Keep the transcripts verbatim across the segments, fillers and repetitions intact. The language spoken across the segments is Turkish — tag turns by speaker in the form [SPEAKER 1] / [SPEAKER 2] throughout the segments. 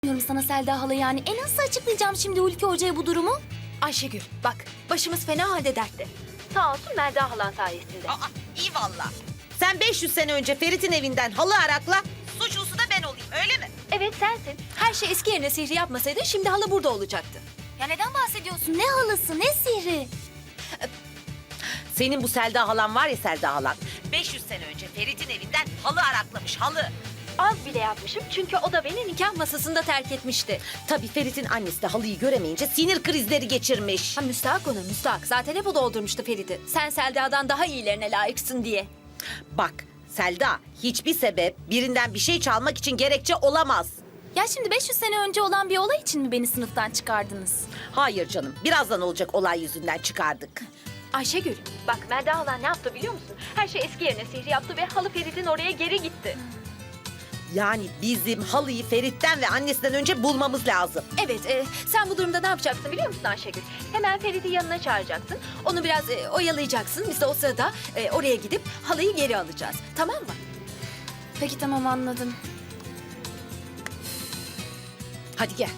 [SPEAKER 1] Diyorum sana Selda hala yani. E nasıl açıklayacağım şimdi Hulki Hoca'ya bu durumu?
[SPEAKER 2] Ayşegül bak başımız fena halde dertte. Sağ olsun Melda halan sayesinde.
[SPEAKER 3] Aa, iyi valla. Sen beş yüz sene önce Ferit'in evinden halı arakla, suçlusu da ben olayım, öyle mi?
[SPEAKER 2] Evet sensin. Her şey eski yerine sihri yapmasaydın şimdi hala burada olacaktı.
[SPEAKER 1] Ya neden bahsediyorsun? Ne halısı, ne sihri?
[SPEAKER 3] Senin bu Selda halan var ya Selda halan. beş yüz sene önce Ferit'in evinden halı araklamış, halı.
[SPEAKER 2] Az bile yapmışım çünkü o da beni nikah masasında terk etmişti.
[SPEAKER 3] Tabii Ferit'in annesi de halıyı göremeyince sinir krizleri geçirmiş.
[SPEAKER 2] Ha müstahak ona müstahak. Zaten hep o doldurmuştu Ferit'i. Sen Selda'dan daha iyilerine layıksın diye.
[SPEAKER 3] Bak Selda, hiçbir sebep birinden bir şey çalmak için gerekçe olamaz.
[SPEAKER 1] Ya şimdi beş yüz sene önce olan bir olay için mi beni sınıftan çıkardınız?
[SPEAKER 3] Hayır canım, birazdan olacak olay yüzünden çıkardık.
[SPEAKER 2] Ayşegül bak Melda halan ne yaptı biliyor musun? Her şey eski yerine sihri yaptı ve halı Ferit'in oraya geri gitti.
[SPEAKER 3] Yani bizim halıyı Ferit'ten ve annesinden önce bulmamız lazım.
[SPEAKER 2] Evet, e, sen bu durumda ne yapacaksın biliyor musun Ayşegül? Hemen Ferit'i yanına çağıracaksın. Onu biraz e, oyalayacaksın. Biz de o sırada e, oraya gidip halıyı geri alacağız. Tamam mı?
[SPEAKER 1] Peki tamam anladım.
[SPEAKER 3] Hadi gel.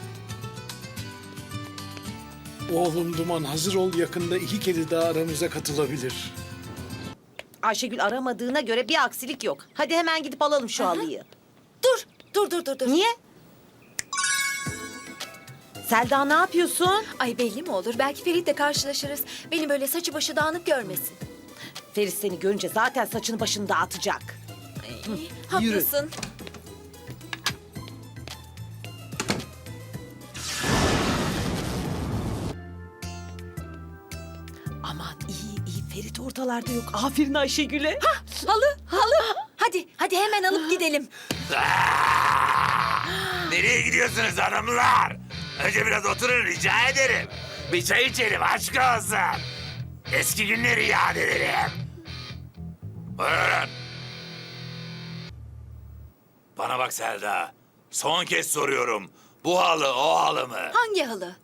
[SPEAKER 4] Oğlum Duman hazır ol, yakında iki kedi daha aramıza katılabilir.
[SPEAKER 3] Ayşegül aramadığına göre bir aksilik yok. Hadi hemen gidip alalım şu halıyı.
[SPEAKER 2] Dur, dur, dur, dur, dur.
[SPEAKER 3] Niye? Selda ne yapıyorsun?
[SPEAKER 2] Ay belli mi olur? Belki Ferit'le karşılaşırız. Beni böyle saçı başı dağınık görmesin.
[SPEAKER 3] Ferit seni görünce zaten saçını başını dağıtacak.
[SPEAKER 2] Ay, haklısın.
[SPEAKER 3] Aman iyi iyi, Ferit ortalarda yok. Aferin Ayşegül'e.
[SPEAKER 2] Halı, halı. Hadi, hadi hemen alıp gidelim.
[SPEAKER 5] Nereye gidiyorsunuz hanımlar? Önce biraz oturun rica ederim. Bir çay içelim aşk olsun. Eski günleri yad edelim. Buyurun. Bana bak Selda. Son kez soruyorum. Bu halı o halı mı?
[SPEAKER 2] Hangi halı?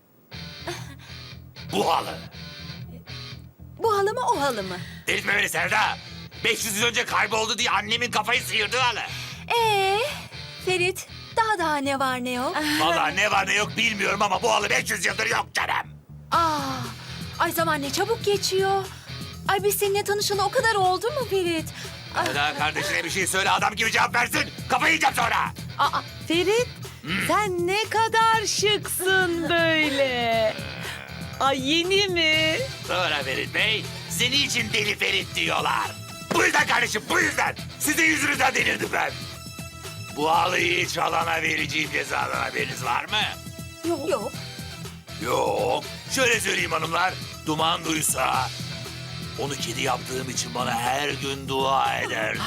[SPEAKER 5] Bu halı.
[SPEAKER 2] Bu halı mı, o halı mı?
[SPEAKER 5] Delirtme beni Selda. beş yüz yıl önce kayboldu diye annemin kafayı sıyırdı halı.
[SPEAKER 2] Ee, Ferit, daha daha ne var ne yok?
[SPEAKER 5] Vallahi ne var ne yok bilmiyorum ama bu halı beş yüz yıldır yok canım.
[SPEAKER 2] Aa, ay zaman ne çabuk geçiyor. Ay biz seninle tanışalı o kadar oldu mu Ferit? Ay,
[SPEAKER 5] Selda kardeşine bir şey söyle adam gibi cevap versin. Kafayı yiyeceğim sonra.
[SPEAKER 3] Aa, Ferit sen ne kadar şıksın böyle. Ay yeni mi?
[SPEAKER 5] Sonra Ferit Bey, seni için deli Ferit diyorlar. Bu yüzden kardeşim, bu yüzden. Sizin yüzünüzden delirdim ben. Bu halıyı hiç alana vereceğim cezadan haberiniz var mı?
[SPEAKER 2] yok. Yok.
[SPEAKER 5] Yok. Şöyle söyleyeyim hanımlar, Duman duysa... onu kedi yaptığım için bana her gün dua ederdi.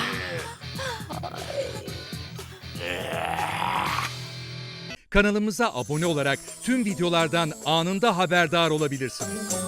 [SPEAKER 6] Kanalımıza abone olarak tüm videolardan anında haberdar olabilirsiniz.